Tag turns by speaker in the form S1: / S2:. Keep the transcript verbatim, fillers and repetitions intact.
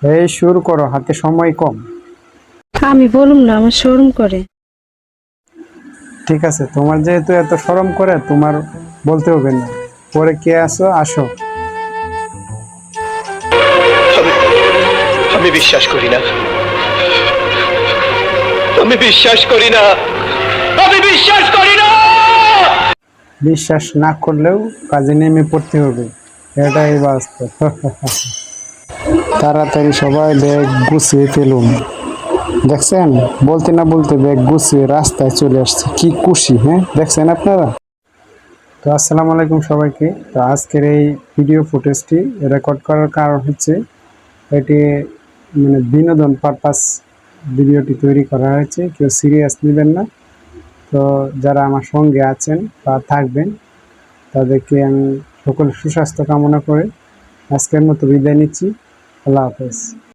S1: এই শুরু করো, হাতে সময় কম।
S2: আমি বলুম না, আমার শরম করে।
S1: ঠিক আছে, তোমার যেহেতু এত শরম করে, তোমার বলতে হবে না। পরে কে আসো আসো।
S3: আমি বিশ্বাস করি না, আমি বিশ্বাস করি না, আমি বিশ্বাস করি না।
S1: বিশ্বাস না করলেও কাজে নেমে পড়তে হবে, এটাই বাস্তব। তাড়াতাড়ি সবাই ব্যাগ গুছিয়ে ফেলুন। দেখছেন, বলতে না বলতে ব্যাগ গুছিয়ে রাস্তায় চলে আসছে, কি খুশি! হ্যাঁ, দেখছেন আপনারা? তো আসসালামু আলাইকুম সবাইকে। তো আজকের এই ভিডিও ফুটেজটি রেকর্ড করার কারণ হচ্ছে, এটি মানে বিনোদন পারপাস ভিডিওটি তৈরি করা হয়েছে, কেউ সিরিয়াস নেবেন না। তো যারা আমার সঙ্গে আছেন বা থাকবেন, তাদেরকে আমি সকল সুস্বাস্থ্য কামনা করে আজকের মতো বিদায় নিচ্ছি। আল্লাহ হাফেজ।